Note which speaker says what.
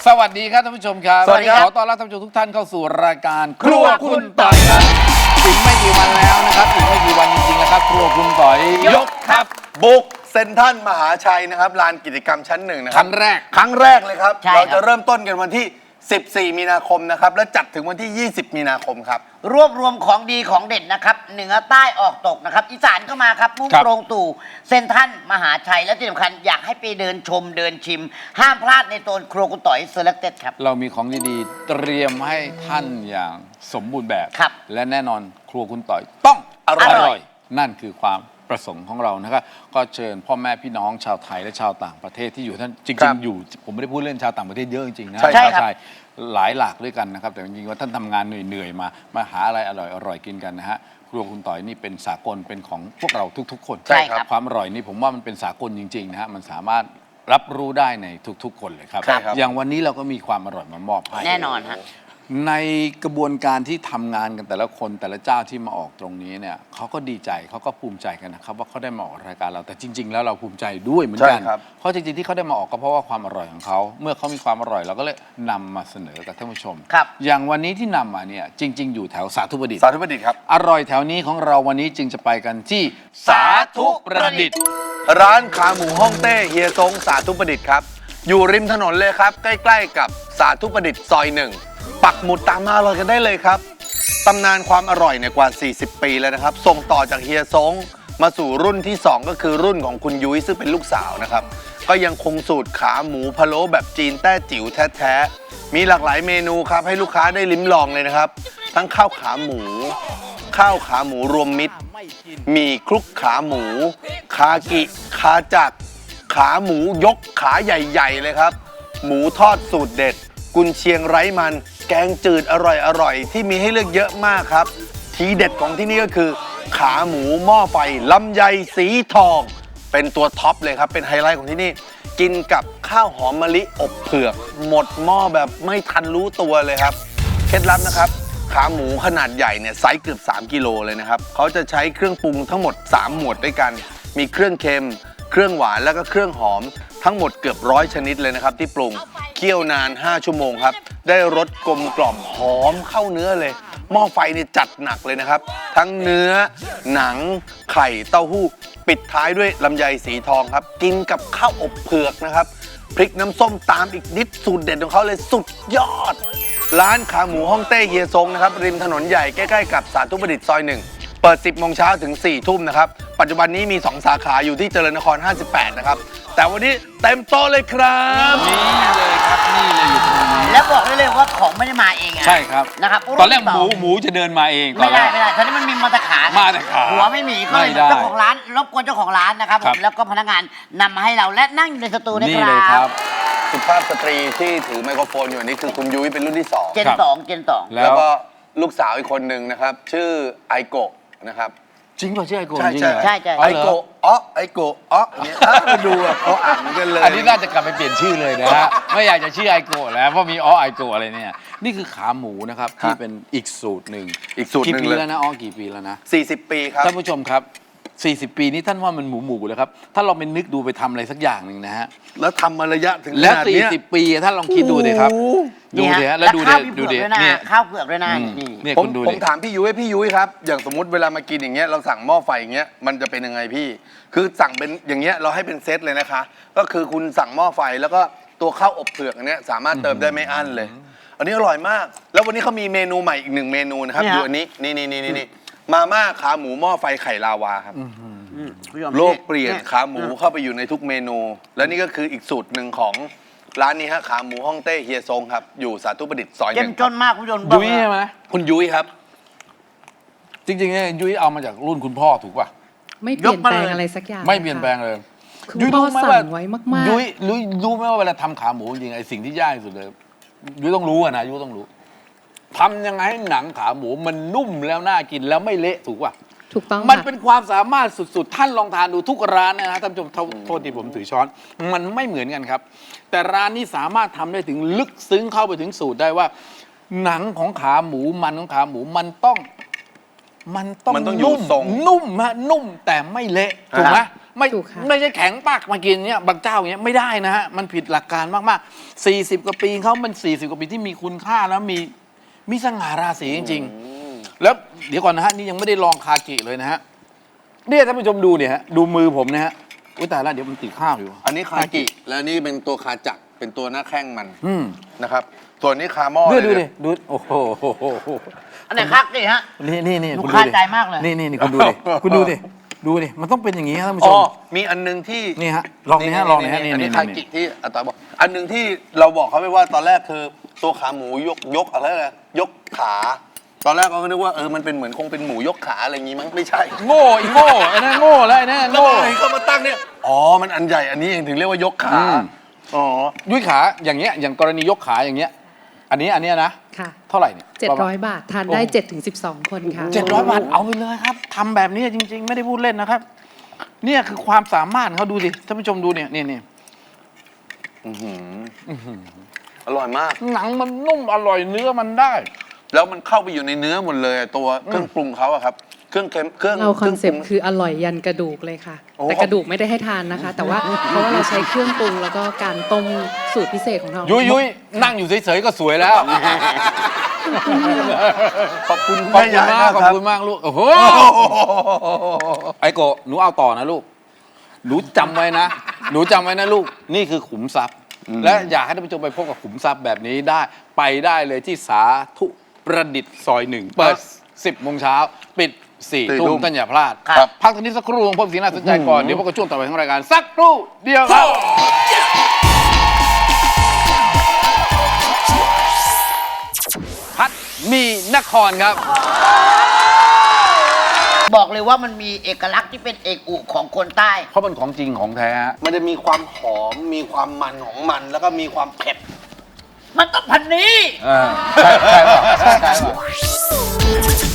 Speaker 1: สวัสดีครับท่านผู้ชมครับ
Speaker 2: สวัสดีครับ
Speaker 1: ขอต้อนรับท่านผู้ชมทุกท่านเข้าสู่รายการครัวคุณต่อยครับอีกไม่กี่วันแล้วนะครับอีกไม่กี่วันจริงๆนะครับครัวคุณต่อยยกครับ
Speaker 2: บุกเซ็นทรัลมหาชัยนะครับลานกิจกรรมชั้นหนึ่งนะค
Speaker 1: ค
Speaker 2: รั
Speaker 1: รั้งแรก
Speaker 2: ครั้งแรกเลยครับ
Speaker 3: ใช่ครับ
Speaker 2: เราจะเริ่มต้นกันวันที่ 14 มีนาคมนะครับและจัดถึงวันที่ 20 มีนาคมครับ
Speaker 3: รวบรวมของดีของเด่นนะครับเหนือใต้ออกตกนะครับอีสานก็มาครับมุ่ง
Speaker 1: ครับ
Speaker 3: ตรงตู่เซ็นทรัลมหาชัยและที่สำคัญอยากให้ไปเดินชมเดินชิม ห้ามพลาดในโซนครัวคุณต่อยเซเลคเต็ดครับ
Speaker 1: เรามีของดีๆเตรียมให้ท่านอย่างสมบูรณ์แบบ
Speaker 3: ครับ
Speaker 1: และแน่นอนครัวคุณต่อยต้อง
Speaker 2: อร่อย
Speaker 1: นั่นคือความประสงค์ของเรานะครับก็เชิญพ่อแม่พี่น้องชาวไทยและชาวต่างประเทศที่อยู่ท่านจ
Speaker 2: ครั
Speaker 1: ริง
Speaker 2: บ
Speaker 1: ๆอยู่ผมไม่ได้พูดเล่นชาวต่างประเทศเยอะจริงๆนะ
Speaker 2: ใช่
Speaker 3: ใช่ครับ
Speaker 1: ชาวไทยหลายหลากด้วยกันนะครับแต่จริงๆว่าท่านทำงานเหนื่อยๆมาหาอะไรอร่อยๆกินกันนะฮะครัวคุณต่อยนี่เป็นสากลเป็นของพวกเราทุกๆ คน
Speaker 2: ใช่ครับ
Speaker 1: ความอร่อยนี่ผมว่ามันเป็นสากลจริงๆนะฮะมันสามารถรับรู้ได้ในทุกๆ คนเลยครับ
Speaker 2: ใช่ครับ
Speaker 1: อย่างวันนี้เราก็มีความอร่อยมามอบให้
Speaker 3: แน่นอนฮะ
Speaker 1: ในกระบวนการที่ทำงานกันแต่ละคนแต่ละเจ้าที่มาออกตรงนี้เนี่ยเขาก็ดีใจเขาก็ภูมิใจกันนะครับว่าเขาได้มาออกรายการเราแต่จริง ๆ แล้วเราภูมิใจด้วยเหมือนกัน
Speaker 2: ใช่ครับ
Speaker 1: เพราะจริงๆที่เขาได้มาออกก็เพราะว่าความอร่อยของเขาเมื่อเขามีความอร่อยเราก็เลยนำมาเสนอกับท่านผู้ชม
Speaker 3: ครับ
Speaker 1: อย่างวันนี้ที่นำมาเนี่ยจริง ๆ อยู่แถวสาธุประดิษฐ์
Speaker 2: สาธุประดิษฐ์ครับ
Speaker 1: อร่อยแถวนี้ของเราวันนี้จึงจะไปกันที่สาธุประดิษฐ์
Speaker 2: ร้านขาหมูฮ่องเต้เฮียซงสาธุประดิษฐ์ครับอยู่ริมถนนเลยครับใกล้ๆกับสาธุประดิษฐ์ซอยหนึ่งปักหมุดตามมาอร่อยกันได้เลยครับตำนานความอร่อยเนี่ยกว่า 40 ปีแล้วนะครับส่งต่อจากเฮียซงมาสู่รุ่นที่ 2 ก็คือรุ่นของคุณยุ้ยซึ่งเป็นลูกสาวนะครับก็ยังคงสูตรขาหมูพะโล้แบบจีนแต้จิ๋วแท้ๆมีหลากหลายเมนูครับให้ลูกค้าได้ลิ้มลองเลยนะครับทั้งข้าวขาหมูรวมมิตรหมี่คลุกขาหมู คากิคาจักรขาหมูยกขาใหญ่ๆเลยครับ หมูทอดสูตรเด็ด กุนเชียงไร้มัน แกงจืดอร่อยๆที่มีให้เลือกเยอะมากครับ ทีเด็ดของที่นี่ก็คือ ขาหมูหม้อไฟลำไยสีทอง เป็นตัวท็อปเลยครับ เป็นไฮไลท์ของที่นี่ กินกับข้าวหอมมะลิอบเผือก หมดหม้อแบบไม่ทันรู้ตัวเลยครับ เคล็ดลับนะครับ ขาหมูขนาดใหญ่เนี่ยไซส์เกือบ3 กิโลเลยนะครับเขาจะใช้เครื่องปรุงทั้งหมด 3 หมวดด้วยกัน มีเครื่องเค็ม เครื่องหวานแล้วก็เครื่องหอม ทั้งหมดเกือบ100 ชนิดเลยนะครับที่ปรุงเคี่ยวนาน 5 ชั่วโมงครับ ได้รสกลมกล่อมหอมเข้าเนื้อเลย หม้อไฟเนี่ยจัดหนักเลยนะครับ ทั้งเนื้อ หนัง ไข่เต้าหู้ ปิดท้ายด้วยลำไยสีทองครับ กินกับข้าวอบเผือกนะครับ พริกน้ำส้มตามอีกนิดสูตรเด็ดของเขาเลยสุดยอด ร้านขาหมูฮ่องเต้เฮียซงนะครับริมถนนใหญ่ใกล้ๆกับสาธุประดิษฐ์ซอย1เปิด 10 โมงเช้าถึง 4 ทุ่มนะครับ ปัจจุบันนี้มี 2 สาขาอยู่ที่เจริญนคร 58 นะครับ แต่วันนี้เต็มโต๊ะเลยครับ
Speaker 1: นี่เลยครับนี่เลยอยู่ตรงนี้
Speaker 3: แล้วบอกได้เลยว่าของไม่ได้มาเองอะ
Speaker 1: ใช่ครับ
Speaker 3: นะครับ
Speaker 1: ตอนแรก
Speaker 3: รุ่
Speaker 1: หมูจะเดินมาเองตอ
Speaker 3: ไม่
Speaker 1: นแร
Speaker 3: ได้
Speaker 1: ก
Speaker 3: ไม่ได้ตอนนี้มันมีมาตรขา
Speaker 1: มาแต่ขา
Speaker 3: หัวไม่มีก็เลย
Speaker 1: ไม่ได้
Speaker 3: เจ้าของร้านรบกวนเจ้าของร้านนะครับผ
Speaker 1: ครับ
Speaker 3: มแล้วก็พนักงานนำมาให้เราและนั่งอยู่ในสตูนะ
Speaker 1: นี่
Speaker 3: ค
Speaker 1: เลยค
Speaker 3: รั
Speaker 1: รั
Speaker 3: บบ
Speaker 2: สุภาพสตรีที่ถือไมโครโฟนอยู่อันนี้คือคุณยุ้ยเป็นรุ่นที่ 2
Speaker 3: เจน
Speaker 1: ครับ
Speaker 3: สองเจนสอง
Speaker 1: แล้
Speaker 2: แล้ว
Speaker 1: ว
Speaker 2: ก็ลูกสาวอีกคนหนึ่งนะครับ ชื่อไอโกะนะครับ
Speaker 1: จริงป่ะชื่อไอโกะ
Speaker 2: ใช่
Speaker 1: จริงเหรอ
Speaker 3: ใช่ใช่
Speaker 1: อ๋
Speaker 2: ไอ
Speaker 1: อเหรอ
Speaker 2: โกะไอโกะอย่างเงี้ยมาดูอ่ะเขาอ่านเหมือนกันเลย
Speaker 1: อันนี้น่าจะกลับไปเปลี่ยนชื่อเลยนะฮะ ไม่อยากจะชื่อไอโกะแล้วเพราะมีไอโกะอะไรเนี่ยนี่คือขาหมูนะครับที่เป็นอีกสูตรหนึ่ง
Speaker 2: อีกสูตรหนึ่ง
Speaker 1: กี่ปี
Speaker 2: เลย
Speaker 1: แล้วนะกี่ปีแล้วนะ
Speaker 2: 40 ปีครับ
Speaker 1: ท่านผู้ชมครับ 40 ปีนี้ท่านว่ามันหมูเลยครับถ้าเราไปนึกดูไปทำอะไรสักอย่างหนึ่งนะฮะ
Speaker 2: แล้วทำมาระยะถึงข
Speaker 1: แล้ว
Speaker 2: นาดเนี้ย
Speaker 1: 40 ปีท่านลองคิดดูดิครับ ดูดิฮะแล้วดูดิ
Speaker 3: ข้าวพี่
Speaker 1: ดู
Speaker 3: เผื
Speaker 1: ดิ
Speaker 3: อกด้วยนะ
Speaker 1: เนี่ย
Speaker 3: ข้าวเผือกด้วยนะ
Speaker 1: อืม
Speaker 3: นี่
Speaker 1: เนี่ย
Speaker 2: ผม
Speaker 1: คุณดู
Speaker 2: ผ
Speaker 1: ดิ
Speaker 2: มถามพี่ยุ้ยครับ อย่างสมมติเวลามากินอย่างเงี้ยเราสั่งหม้อไฟอย่างเงี้ยมันจะเป็นยังไงพี่ คือสั่งเป็นอย่างเงี้ยเราให้เป็นเซตเลยนะคะ ก็คือคุณสั่งหม้อไฟแล้วก็ตัวข้าวอบเผือกอันเนี้ยสามารถเติมได้ไม่อั้นเลย อันนี้อร่อยมาก แล้ววันนี้เขามีเมนูใหม่อีก1 เมนูนะครับ
Speaker 3: เนี่ย
Speaker 2: อยู่อันนี้นี่มาม่าขาหมูหม้อไฟไข่ลาวาครับ
Speaker 3: คุณผู้ชม
Speaker 2: โลกเปลี่ยนขาหมูเข้าไปอยู่ในทุกเมนู และนี่ก็คืออีกสูตรหนึ่งของร้านนี้ฮะขาหมูฮ่องเต้เฮียซงครับอยู่สาธุประดิษฐ์ซอย
Speaker 3: เจ้ม
Speaker 2: 1
Speaker 3: จนมากคุณผู้ชม
Speaker 1: ยุ้ยใช่ไหม
Speaker 2: คุณยุ้ยครับ
Speaker 1: จริงๆเนี่ยยุ้ยเอามาจากรุ่นคุณพ่อถูกป่ะ
Speaker 4: ไม่เปลี่ยนแปลงอะไรสักอย่าง
Speaker 1: ไม่เปลี่ยนแปลงเลย
Speaker 4: คือพ่อสั่งไว้มากๆ
Speaker 1: ยุ้ยรู้ไหมว่าเวลาทำขาหมูจริงๆไอ้สิ่งที่ยากที่สุดเลยยุ้ยต้องรู้อะนะยุ้ยต้องรู้ทำยังไงให้หนังขาหมูมันนุ่มแล้วน่ากินแล้วไม่เละถูกป่ะ
Speaker 4: ถูกต้อง
Speaker 1: มัน
Speaker 4: ค่ะ
Speaker 1: เป็นความสามารถสุดๆ ท่านลองทานดูทุกร้านนะฮะท่านผู้ชมโทษที่ผมถือช้อน มันไม่เหมือนกันครับ แต่ร้านนี้สามารถทำได้ถึงลึกซึ้งเข้าไปถึงสูตรได้ว่า หนังของขาหมูมันของขาหมูมันต้องมันต้อง
Speaker 2: มันต้องอยู่
Speaker 1: นุ่ม
Speaker 2: ทรง
Speaker 1: นุ่มฮะนุ่มแต่ไม่เละถูกไหมไม่
Speaker 4: ถูกค่ะ
Speaker 1: ไม่ใช่แข็งปากมากินเนี่ยบางเจ้าอย่างเงี้ยไม่ได้นะฮะมันผิดหลักการมากๆ40 กว่าปีเขามัน40 กว่าปีที่มีคุณค่าแล้วมีสง่าราศีจริงๆแล้วเดี๋ยวก่อนนะฮะนี่ยังไม่ได้ลองคากิเลยนะฮะเนี่ยท่านผู้ชมดูเนี่ยฮะดูมือผมนะฮะอุ้ยตายแล้วเดี๋ยวมันติดข้าวอยู่
Speaker 2: อันนี้คากิ แล้วนี่เป็นตัวคาจักรเป็นตัวหน้าแข้งมัน
Speaker 1: อืม
Speaker 2: นะครับส่วนนี้คาหม้อ
Speaker 1: ดู
Speaker 2: เลย
Speaker 1: ดิ
Speaker 2: เนี่ย
Speaker 1: ดูโอ้โห
Speaker 3: อันไหนคักดิฮะ
Speaker 1: นี่
Speaker 3: หนู
Speaker 1: คุณ
Speaker 3: คา
Speaker 1: ดิ
Speaker 3: ใจมากเลย
Speaker 1: นี่คุณดูดิคุณดูดิดูดิมันต้องเป็นอย่างนี้ครับท่านผู้ช
Speaker 2: อ๋อ
Speaker 1: ม
Speaker 2: มีอันหนึงที่
Speaker 1: นี่ฮะลองนี่ฮะลองนี่ฮะนี่
Speaker 2: อันนี้
Speaker 1: นี่
Speaker 2: คากิที่อาตาบอก อันหนึงที่เราบอกเขาไปว่าตอนแรกคือตัวขาหมูยกอะไรนะยกขา ตอนแรกเราก็นึกว่ามันเป็นเหมือนคงเป็นหมูยกขาอะไรอย่างงี้มั้งไม่ใช่
Speaker 1: โง่อีโง่ไอ้นั่นโง่แล้วไอ้นั่น
Speaker 2: แล้ว
Speaker 1: โง่
Speaker 2: พอเห็นเขามาตั้งเนี่ยอ๋อมันอันใหญ่อันนี้เองถึงเรียกว่ายกขา
Speaker 1: อืม
Speaker 2: อ๋อ
Speaker 1: ยุ้ยขาอย่างเงี้ยอย่างกรณียกขาอย่างเงี้ยอันเนี้ยนะ
Speaker 4: ค่ะ
Speaker 1: เท่าไหร่เนี่ย
Speaker 4: 700 บาท ทานได้ 7-12 คนค่ะ
Speaker 1: 700 บาทเอาไปเลยครับทำแบบนี้จริง ๆ ไม่ได้พูดเล่นนะครับ เนี่ยคือความสามารถเขาดูสิท่านผู้ชมดูเนี่ยนี่
Speaker 2: อื้อหืออร่อยมาก
Speaker 1: หนังมันนุ่มอร่อยเนื้อมันได้
Speaker 2: แล้วมันเข้าไปอยู่ในเนื้อหมดเลยตัวเครื่องปรุงเขาอะครับเครื่องเค็มเครื่อง
Speaker 4: เราคอนเซปต์
Speaker 2: ง
Speaker 4: คืออร่อยยันกระดูกเลยค่ะ
Speaker 2: โอ้
Speaker 4: แต่กระดูกไม่ได้ให้ทานนะคะ แต่ว่าเพราะว่าเราใช้เครื่องปรุงแล้วก็การต้มสูตรพิเศษของเรา
Speaker 1: ยุ้ยนั่งอยู่เฉยๆก็สวยแล้ว
Speaker 2: ขอบคุณ
Speaker 1: ขอบ
Speaker 2: แม่
Speaker 1: คุณ
Speaker 2: ยาย
Speaker 1: มาก
Speaker 2: มาก
Speaker 1: ขอบ
Speaker 2: ครับ
Speaker 1: คุณมากลูกโอ้โหไอโกะหนูเอาต่อนะลูกหนูจำไว้นะลูกนี่คือขุมทรัพย์ และอยากให้ท่านผู้ชมไปพบกับขุมทรัพย์แบบนี้ได้ไปได้เลยที่สาธุประดิษฐ์ซอย 1 เปิด 10 โมงเช้าปิด 4 ทุ่มท่านอย่าพลาด
Speaker 3: ครับ
Speaker 1: พักตรงนี้สักครู่พบสิ่งน่าสนใจก่อนเดี๋ยวพบกับช่วงต่อไปของรายการสักครู่เดียวครับ พัดมีนครครับ
Speaker 3: บอกเลยว่ามันมีเอกลักษณ์ที่เป็นเอกอุของคนใต้
Speaker 1: เพราะมันของจริงของแท้ฮะ
Speaker 2: มันจะมีความหอมมีความมันของมันแล้วก็มีความเผ็ด
Speaker 3: มันต้องพันนี้
Speaker 1: ใช่ป่ะ